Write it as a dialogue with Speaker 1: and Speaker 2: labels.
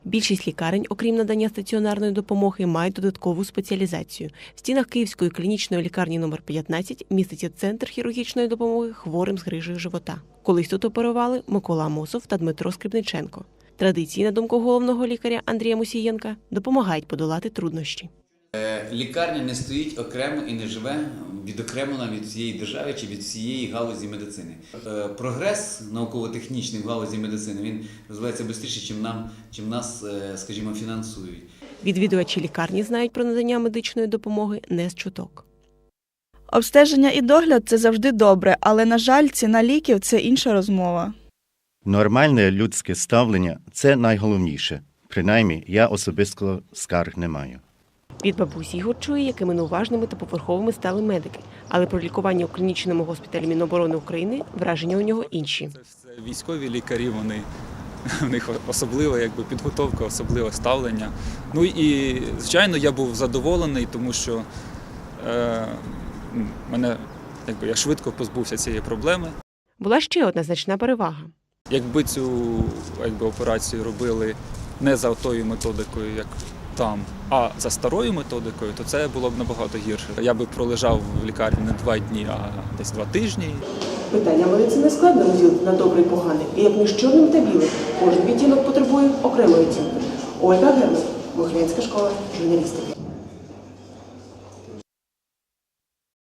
Speaker 1: Більшість лікарень, окрім надання стаціонарної допомоги, мають додаткову спеціалізацію. В стінах Київської клінічної лікарні номер 15 міститься центр хірургічної допомоги хворим з грижею живота. Колись тут оперували Микола Мосов та Дмитро Скрипниченко. Традиції, на думку головного лікаря Андрія Мусієнка, допомагають подолати труднощі.
Speaker 2: Лікарня не стоїть окремо і не живе відокремлена від всієї держави чи від всієї галузі медицини. Прогрес науково-технічний в галузі медицини, він розвивається швидше, чим нас, скажімо, фінансують.
Speaker 1: Відвідувачі лікарні знають про надання медичної допомоги не з чуток.
Speaker 3: Обстеження і догляд – це завжди добре, але, на жаль, ціна ліків – це інша розмова.
Speaker 4: Нормальне людське ставлення – це найголовніше. Принаймні, я особисто скарг не маю.
Speaker 1: Від бабусі Ігор чує, якими неуважними та поверховими стали медики. Але про лікування у клінічному госпіталі Міноборони України враження у нього інші.
Speaker 5: Це військові лікарі, у них особлива підготовка, особливе ставлення. Ну і, звичайно, я був задоволений, тому що я швидко позбувся цієї проблеми.
Speaker 1: Була ще одна значна перевага.
Speaker 5: Якби цю операцію робили не за тою методикою, як там, а за старою методикою, то це було б набагато гірше. Я би пролежав в лікарні не 2 дні, а десь 2 тижні.
Speaker 1: Питання медицини складно розділити на добре і погане, і як між чорним та білим. Кожен відтінок потребує окремої оцінки. Ольга Герман, Могилянська школа журналістики.